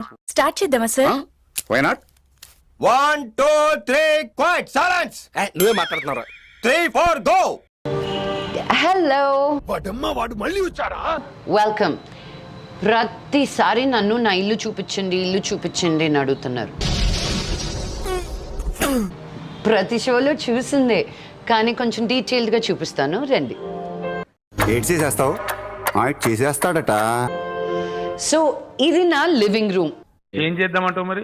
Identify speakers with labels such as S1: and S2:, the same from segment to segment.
S1: Start చేద్దామా sir?
S2: Why not?
S3: 1 2 3 quiet silence.
S2: నువ్వే మాట్లాడుతున్నావు.
S3: 3 4 గో.
S4: హలో,
S2: వాడమ్మా వాడు మళ్ళీ వచ్చారా?
S4: వెల్కమ్. ప్రతిసారి నన్ను నా ఇల్లు చూపించండి అని అడుగుతున్నారు. ప్రతి షోలో చూసిందే, కానీ కొంచెం డీటెయిల్డ్గా చూపిస్తాను, రండి.
S2: ఏడ్ చేసేస్తావు? చేసేస్తాడట.
S4: సో ఇది నా లివింగ్ రూమ్.
S5: ఏం చేద్దామంటావు మరి?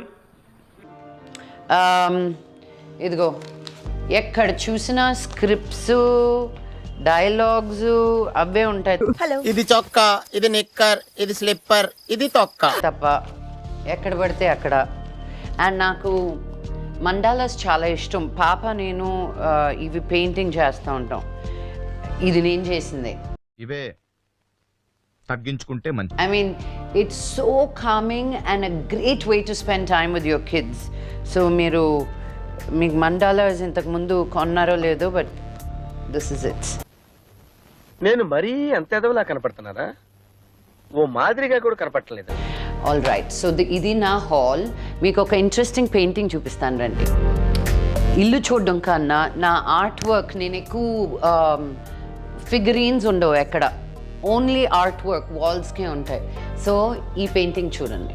S4: ఇదిగో, ఎక్కడ చూసినా స్క్రిప్ట్స్, డైలాగ్స్ అవే ఉంటాయి
S6: ఇది చొక్కా, ఇది నిక్కర్, ఇది స్లిప్పర్, ఇది తొక్క
S4: తప్ప ఎక్కడ పడితే అక్కడ. అండ్ నాకు మండాలాస్ చాలా ఇష్టం. పాప నేను ఇవి పెయింటింగ్ చేస్తూ ఉంటాం. ఇది నేను చేసిందే.
S7: ఇవే తగ్గించుకుంటే మంచి.
S4: I mean, it's so calming and a great way to spend time with your kids. So మీకు మండాలాస్ ఇంతకు ముందు కొన్నారో లేదో, బట్ దిస్ ఇస్ ఇట్.
S6: నేను మరీ అంత ఎదవలా కనపడుతున్నారా? ఓ మాదిరిగా కూడా కనపడలేదు.
S4: ఆల్ రైట్, సో ఇది నా హాల్. మీకు ఒక ఇంట్రెస్టింగ్ పెయింటింగ్ చూపిస్తాను, రండి. ఇల్లు చూడడం కన్నా నా ఆర్ట్ వర్క్, నేను ఎక్కువ ఫిగరీన్స్ ఉండవు ఎక్కడ, ఓన్లీ ఆర్ట్ వర్క్ వాల్స్కే ఉంటాయి. సో ఈ పెయింటింగ్ చూడండి.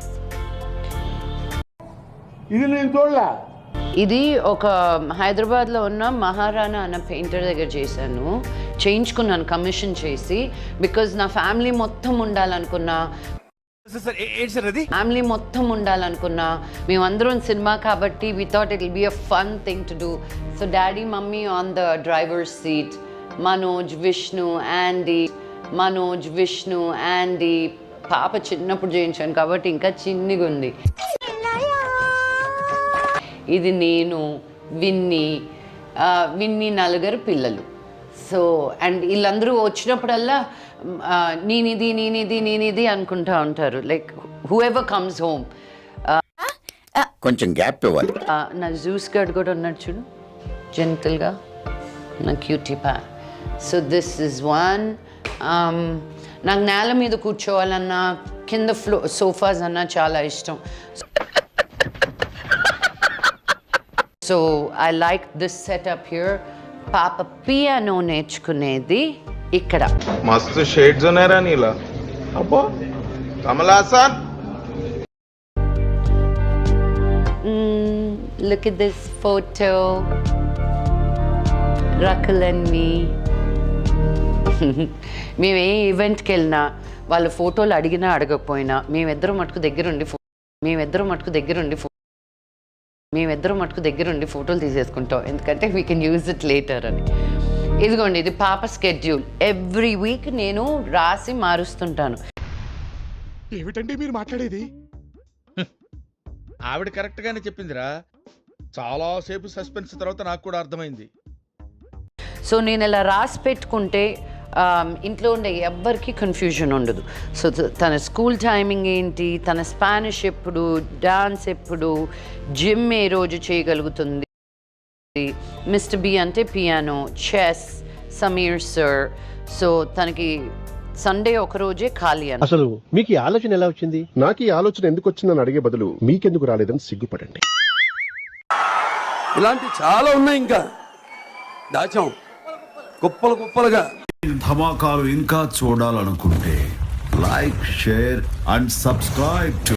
S8: ఇది నేను చూడలా.
S4: ఇది ఒక హైదరాబాద్లో ఉన్న మహారాణా అన్న పెయింటర్ దగ్గర చేయించుకున్నాను కమిషన్ చేసి. బికాజ్ నా ఫ్యామిలీ మొత్తం ఉండాలనుకున్నా, మేమందరం సినిమా కాబట్టి we thought it will be a fun thing to do. So daddy mummy on the driver seat, Manoj Vishnu Andy. పాప చిన్నప్పుడు చేయించాను కాబట్టి ఇంకా చిన్నగా ఉంది. ఇది నేను, విన్ని నలుగురు పిల్లలు. సో అండ్ వీళ్ళందరూ వచ్చినప్పుడల్లా నేనిది అనుకుంటా ఉంటారు. Like whoever comes home.
S2: కొంచెం గ్యాప్ ఇవ్వాలి.
S4: నా జ్యూస్ గడ్ కూడా ఉన్నాడు చూడు, జెంటల్గా, నా క్యూటీ పా. So this is one. నాకు నేల మీద కూర్చోవాలన్నా, కింద సోఫాస్ అన్నా చాలా ఇష్టం. So I like this setup here. పాప పియానో నేర్చుకునేది ఇక్కడ.
S5: మస్తు షేడ్స్ ఉన్నారా నీలా? అబ్బో Kamal Haasan.
S4: Look at this photo. Rakul and me. మేము ఏ ఈవెంట్కి వెళ్ళినా, వాళ్ళు ఫోటోలు అడిగినా అడగకపోయినా మేమిద్దరం మటుకు దగ్గరుండి ఫోటోలు తీసేసుకుంటాం. ఎందుకంటే we can use it later అని. ఇదిగోండి, ఇది పాప స్కెడ్యూల్. ఎవ్రీ వీక్ నేను రాసి మారుస్తుంటాను.
S7: ఏమిటండి మీరు మాట్లాడేది? ఆవిడ కరెక్ట్ గానే చెప్పిందిరా. చాలా సేపు సస్పెన్స్ తర్వాత నాకు కూడా అర్థమైంది.
S4: సో నేను ఇలా రాసి పెట్టుకుంటే ఇంట్లో ఉండే ఎవ్వరికి కన్ఫ్యూజన్ ఉండదు. సో తన స్కూల్ టైమింగ్ ఏంటి, తన స్పానిష్ ఎప్పుడు, డాన్స్ ఎప్పుడు, జిమ్ ఏ రోజు చేయగలుగుతుంది, మిస్టర్ బి అంటే piano, chess, Sameer sir. So తనకి సండే ఒక రోజే ఖాళీ అని.
S8: అసలు మీకు ఈ ఆలోచన ఎలా వచ్చింది?
S9: నాకు ఈ ఆలోచన ఎందుకు వచ్చిందని అడిగే బదులు మీకెందుకు రాలేదని సిగ్గుపడండి.
S3: ఇలాంటి చాలా ఉన్నాయి, ఇంకా దాచాం కుప్పలుగా.
S10: ధమాకాలు ఇంకా చూడాలనుకుంటే లైక్, షేర్ అండ్ సబ్స్క్రైబ్.